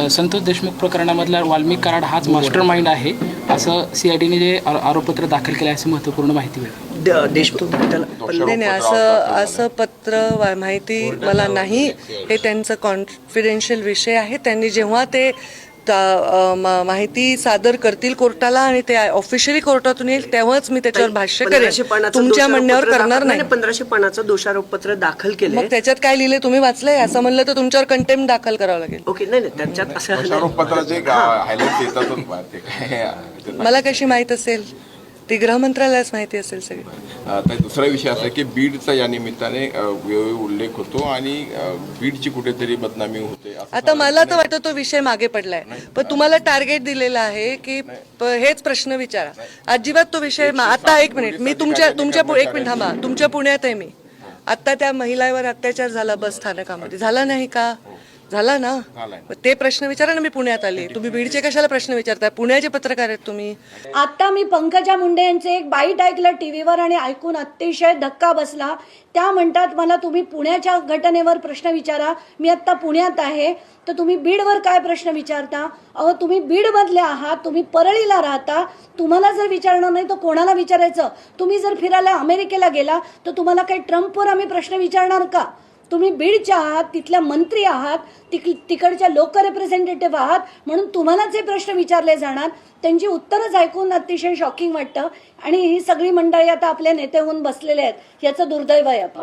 संतोष देशमुख प्रकरणामधला वाल्मिक कराड हाच master mind आहे असं CIDने जे आरोपपत्र दाखल केलं आहे असं महत्त्वपूर्ण माहिती मिळाली. देशमुख नाही असं पत्र माहिती मला नाही. हे त्यांचं कॉन्फिडेन्शियल विषय आहे. त्यांनी जेव्हा ते माहिती सादर करतील कोर्टाला आणि ते ऑफिशियली कोर्टातून येईल तेव्हाच मी त्याच्यावर भाष्य करेन. तुमच्या म्हणण्यावर करणार नाही. 1500 पानाचं दोषारोपपत्र दाखल केलं. मग त्याच्यात काय लिहिले तुम्ही वाचलंय? असं म्हणलं तर तुमच्यावर कंटेम्प्ट दाखल करावं लागेल. ओके, नाही त्याच्यात असं मला कशी माहित असेल? ती गृहमंत्रालयाच माहिती असेल सगळी. आता दुसरा विषय असा की बीडचा या निमित्ताने वेळोवेळी उल्लेख होतो आणि बीडची कुठेतरी बदनामी होते. आता मला तर वाटतं तो विषय मागे पडलाय. पण तुम्हाला टार्गेट दिलेलं आहे की हेच प्रश्न विचारा. अजिबात तो विषय आता एक मिनिट मी तुमच्या एक मिनिट थांबा. तुमच्या पुण्यात आहे मी. आता त्या महिलावर अत्याचार झाला बस स्थानकामध्ये, झाला नाही का? झाला ना. ते प्रश्न विचारा ना. मी पुण्यात आले. तुम्ही बीडचे कशाला प्रश्न विचारताय? पुण्याचे पत्रकार आहेत तुम्ही. आता मी पंकजा मुंडे यांचे एक बाईट ऐकलं टीव्हीवर आणि ऐकून अतिशय धक्का बसला. त्या म्हणतात मला तुम्ही पुण्याच्या घटनेवर प्रश्न विचारा. मी आता पुण्यात आहे तर तुम्ही बीडवर काय प्रश्न विचारता? अहो तुम्ही बीडमधले आहात, तुम्ही परळीला राहता. तुम्हाला जर विचारणार नाही तर कोणाला विचारायचं? तुम्ही जर फिरायला अमेरिकेला गेला तर तुम्हाला काही ट्रम्पवर आम्ही प्रश्न विचारणार का? तुम्ही बीडच्या आहात, तिथल्या मंत्री आहात, तिकडच्या लोकल रिप्रेझेंटेटिव्ह आहात, म्हणून तुम्हाला जे प्रश्न विचारले जाणार त्यांची उत्तरच ऐकून अतिशय शॉकिंग वाटतं. आणि ही सगळी मंडळी आता आपले नेते होऊन बसलेले आहेत. याचं दुर्दैव आहे.